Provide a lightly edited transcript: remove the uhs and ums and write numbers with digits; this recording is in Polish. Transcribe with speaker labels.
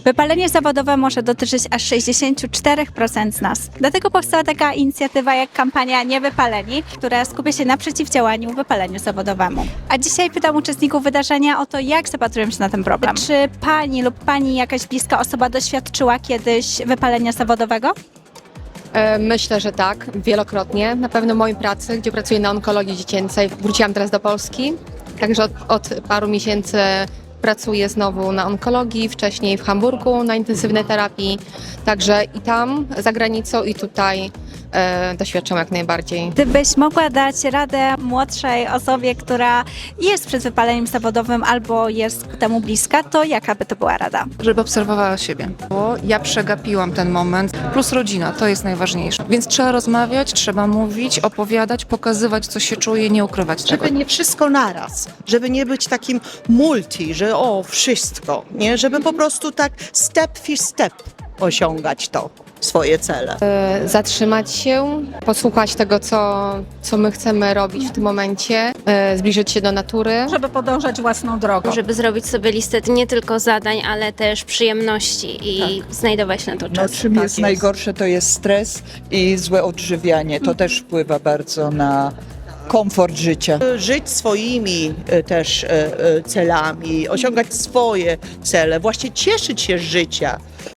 Speaker 1: Wypalenie zawodowe może dotyczyć aż 64% z nas. Dlatego powstała taka inicjatywa jak kampania Niewypaleni, która skupia się na przeciwdziałaniu wypaleniu zawodowemu. A dzisiaj pytam uczestników wydarzenia o to, jak zapatrują się na ten problem. Czy pani lub pani jakaś bliska osoba doświadczyła kiedyś wypalenia zawodowego?
Speaker 2: Myślę, że tak, wielokrotnie. Na pewno w mojej pracy, gdzie pracuję na onkologii dziecięcej, wróciłam teraz do Polski, także od paru miesięcy pracuję znowu na onkologii, wcześniej w Hamburgu na intensywnej terapii, także i tam, za granicą, i tutaj doświadczam jak najbardziej.
Speaker 1: Gdybyś mogła dać radę młodszej osobie, która jest przed wypaleniem zawodowym albo jest ku temu bliska, to jaka by to była rada?
Speaker 3: Żeby obserwowała siebie. Bo ja przegapiłam ten moment, plus rodzina, to jest najważniejsze. Więc trzeba rozmawiać, trzeba mówić, opowiadać, pokazywać, co się czuje, nie ukrywać tego.
Speaker 4: Żeby nie wszystko naraz, żeby nie być takim multi, że wszystko, nie? Żeby po prostu tak step for step osiągać swoje cele.
Speaker 2: Zatrzymać się, posłuchać tego, co my chcemy robić w tym momencie, zbliżyć się do natury.
Speaker 5: Żeby podążać własną drogą.
Speaker 6: Żeby zrobić sobie listę nie tylko zadań, ale też przyjemności i znajdować na to
Speaker 7: No,
Speaker 6: czas.
Speaker 7: czym jest najgorsze, to jest stres i złe odżywianie. To też wpływa bardzo na komfort życia.
Speaker 4: Żyć swoimi też celami, osiągać swoje cele, właśnie cieszyć się z życia.